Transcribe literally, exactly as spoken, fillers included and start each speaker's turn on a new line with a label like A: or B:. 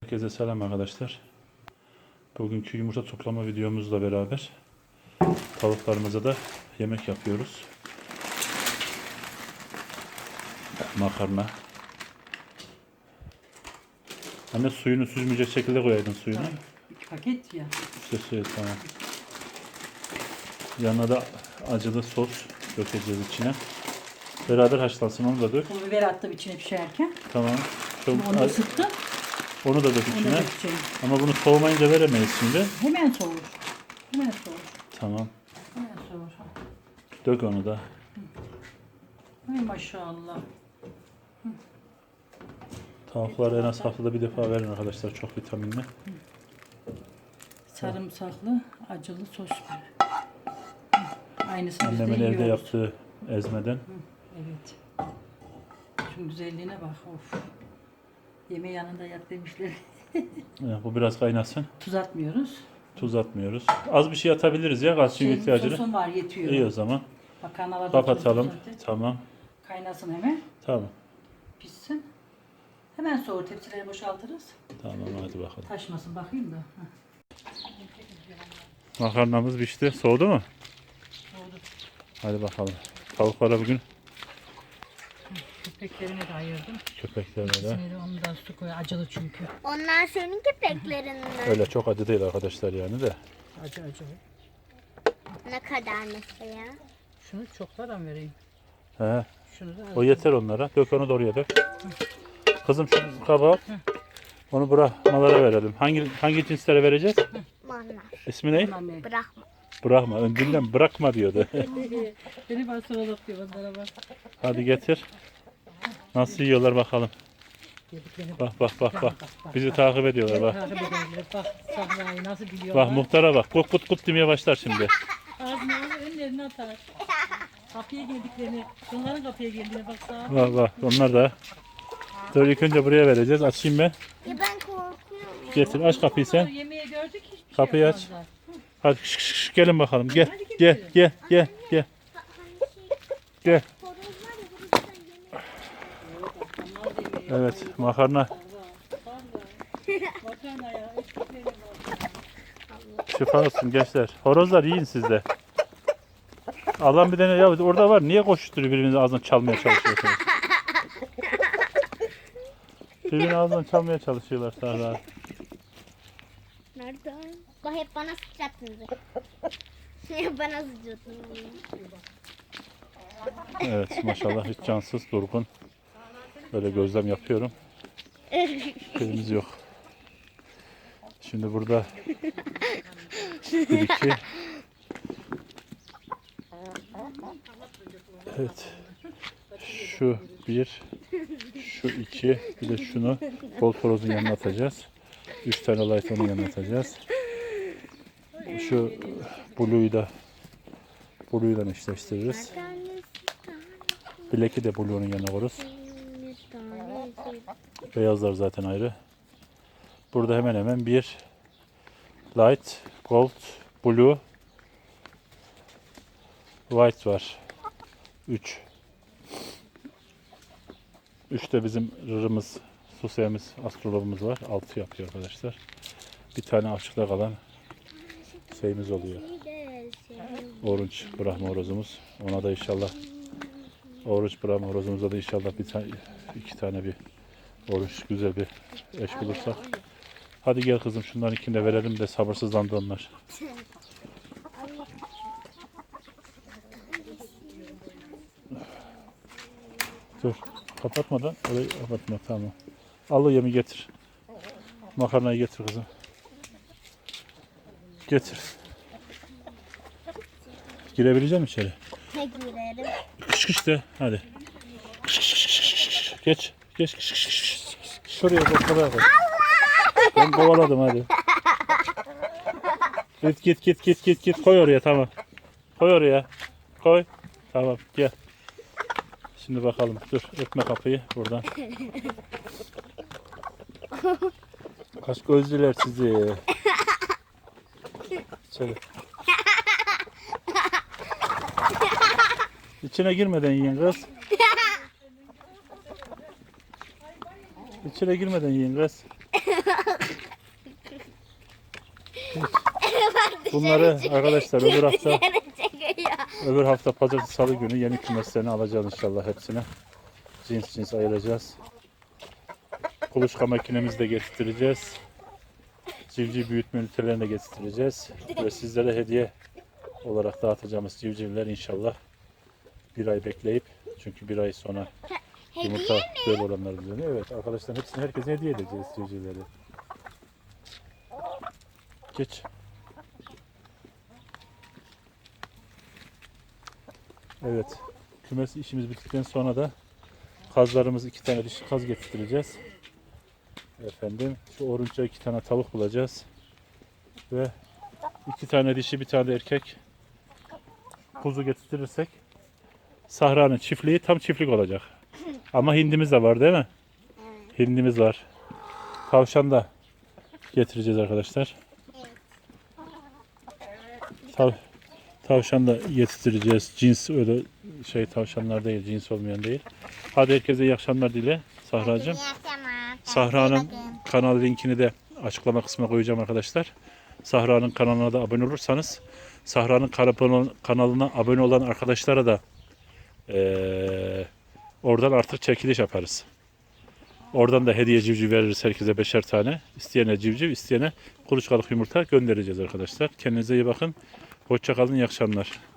A: Herkese selam arkadaşlar. Bugünkü yumurta toplama videomuzla beraber tavuklarımıza da yemek yapıyoruz. Makarna. Anne suyunu süzmeyecek şekilde koyaydın suyunu.
B: İki paket ya.
A: İşte suyu tamam. Yanına da acılı sos dökeceğiz içine. Beraber haşlansın, onu da dök.
B: Pul biber attım içine pişerken.
A: Tamam. Çok
B: Onu ısıttım.
A: Onu da dök
B: Onu
A: içine.
B: da dökeceğim.
A: Ama bunu soğumayınca veremeyiz şimdi.
B: Hemen soğur. Hemen soğur.
A: Tamam.
B: Hemen soğur.
A: Dök onu da.
B: Ay maşallah.
A: Tavukları en az haftada bir defa verin arkadaşlar. Çok vitaminli.
B: Sarımsaklı acılı sos böyle. Aynısını biz de
A: Annemin evde
B: yiyoruz.
A: yaptığı ezmeden.
B: Evet. Şunun güzelliğine bak. Of. Yemeği yanında yap demişler.
A: Ya, bu biraz kaynasın.
B: Tuz atmıyoruz.
A: Tuz atmıyoruz. Az bir şey atabiliriz ya kalsiyum
B: Şey,
A: ihtiyacını.
B: Sosum var yetiyor.
A: İyi o zaman.
B: Makarnalarda
A: Kapatalım.
B: tuz zaten.
A: Tamam.
B: Kaynasın hemen.
A: Tamam.
B: Pişsin. Hemen soğur. Tepsileri boşaltırız.
A: Tamam hadi bakalım.
B: Taşmasın bakayım da. Heh.
A: Makarnamız pişti. Soğudu mu?
B: Soğudu.
A: Hadi bakalım. Tavuklara bugün
B: Köpeklerine de ayırdım.
A: köpeklerine de.
B: İkisini de ondan su koy. Acılı çünkü.
C: Onlar senin köpeklerinden.
A: Öyle çok acı değil arkadaşlar yani de.
B: Acı acı.
C: Ne kadar mesela?
B: Şunu çoklardan vereyim.
A: He.
B: Şunu da az.
A: O yeter onlara. Dök onu da oraya dök. Kızım şu kabağı al. Onu bırakmalara verelim. Hangi hangi cinslere vereceğiz?
C: Onlar.
A: İsmi ne?
B: Anne.
C: Bırakma.
A: Bırakma. Öncünden bırakma diyordu.
B: Beni bastırılıp diyor onlara bak.
A: Hadi getir. Nasıl yiyorlar bakalım.
B: Yediklerini
A: Bak bak bak bak. Bizi takip ediyorlar bak.
B: takip ederler. Bak sahrayı nasıl biliyorlar.
A: Bak muhtara bak. Kut kut kut demeye başlar şimdi.
B: Ağzına önlerine atar. Kapıya geldiklerini, bunların kapıya geldiğine bak sağa.
A: Bak bak. Onlar da. Dur ilk önce buraya vereceğiz. Açayım ben.
C: Ya ben korkuyorum.
A: Getir aç kapıyı sen.
B: Yemeği gördük hiçbir
A: Kapıyı
B: şey
A: aç.
B: yapmazlar.
A: Hadi şş, şş, şş, gelin bakalım. Gel. Gel gel gel gel.
C: Bak hani şey
A: Gel.
C: horoz var ya horoz sen yemek.
A: Evet makarna.
B: Makarna ya, ekmekleri var.
A: Şifa olsun gençler. Horozlar yiyin siz de. Allah'ım bir tane ya orada var. Niye koşuşturuyor birbirinizi ağzından çalmaya çalışıyorsunuz? Birbirini ağzından çalmaya çalışıyorlar Sahra.
C: Nereden? Bak hep bana sıçrattınız. Hep bana sıçrattınız.
A: Evet maşallah hiç cansız durgun. Böyle gözlem yapıyorum. Şeyimiz yok. Şimdi burada bir iki. Evet. Şu bir, şu iki, bir de şunu bol torozun yanına atacağız. Üç tane light onun yanına atacağız. Şu blue'yu da blue'yu da eşleştiririz. Black'i de blue'nun yanına koyarız. Beyazlar zaten ayrı. Burada hemen hemen bir light, gold, blue, white var. üç. üç de bizim rırımız, suseyimiz, astrologumuz var. altı yapıyor arkadaşlar. Bir tane açıkta kalan şeyimiz oluyor. Orange Brahma horozumuz. Ona da inşallah Orange Brahma horozumuza da inşallah bir tane, iki tane bir orange güzel bir eş bulursak. Hadi gel kızım şunların ikini de verelim de sabırsızlandı onlar. Dur kapatmadan orayı kapatma tamam. Al o yemi getir. Makarnayı getir kızım. Getir. Girebilecek misin içeri?
C: Ne girerim?
A: Kış kış de hadi. Kış kış kış kış kış. Geç. Geç kış kış kış. Şuraya bak şuraya bak. Ben kovaladım hadi. Git git git git git git koy oraya tamam. Koy oraya. Koy. Tamam gel. Şimdi bakalım. Dur öpme kapıyı buradan. Kaç gözlüler sizi. İçeri. İçine girmeden yiyin kız. İçine girmeden yiyin kız. Bunları arkadaşlar öbür hafta
C: Dışarı çekiyor.
A: öbür hafta pazartesi salı günü yeni kümeslerini alacağız inşallah hepsine. Cins cins ayıracağız. Kuluçka makinemizi de getireceğiz. Civciv büyütme ünitelerini de getireceğiz. Ve sizlere hediye olarak dağıtacağımız civcivler inşallah bir ay bekleyip, çünkü bir ay sonra yumurta böyle olanlar düzeniyor. Evet arkadaşlar, hepsini herkese hediye edeceğiz civcivleri. Geç. Evet. Kümes işimiz bittikten sonra da kazlarımız, iki tane dişi kaz getireceğiz. Efendim şu orunca iki tane tavuk bulacağız. Ve iki tane dişi, bir tane de erkek kuzu getirirsek Sahra'nın çiftliği tam çiftlik olacak. Ama hindimiz de var değil mi? Hindimiz var. Tavşan da getireceğiz arkadaşlar. Tav tavşan da getireceğiz. Cins öyle şey tavşanlar değil, cins olmayan değil. Hadi herkese iyi akşamlar dile Sahra'cığım. Sahra'nın kanal linkini de açıklama kısmına koyacağım arkadaşlar. Sahra'nın kanalına da abone olursanız, Sahra'nın kanalına abone olan arkadaşlara da ee, oradan artık çekiliş yaparız. Oradan da hediye civciv veririz herkese beşer tane. İsteyene civciv, isteyene kuluçkalık yumurta göndereceğiz arkadaşlar. Kendinize iyi bakın. Hoşça kalın, iyi akşamlar.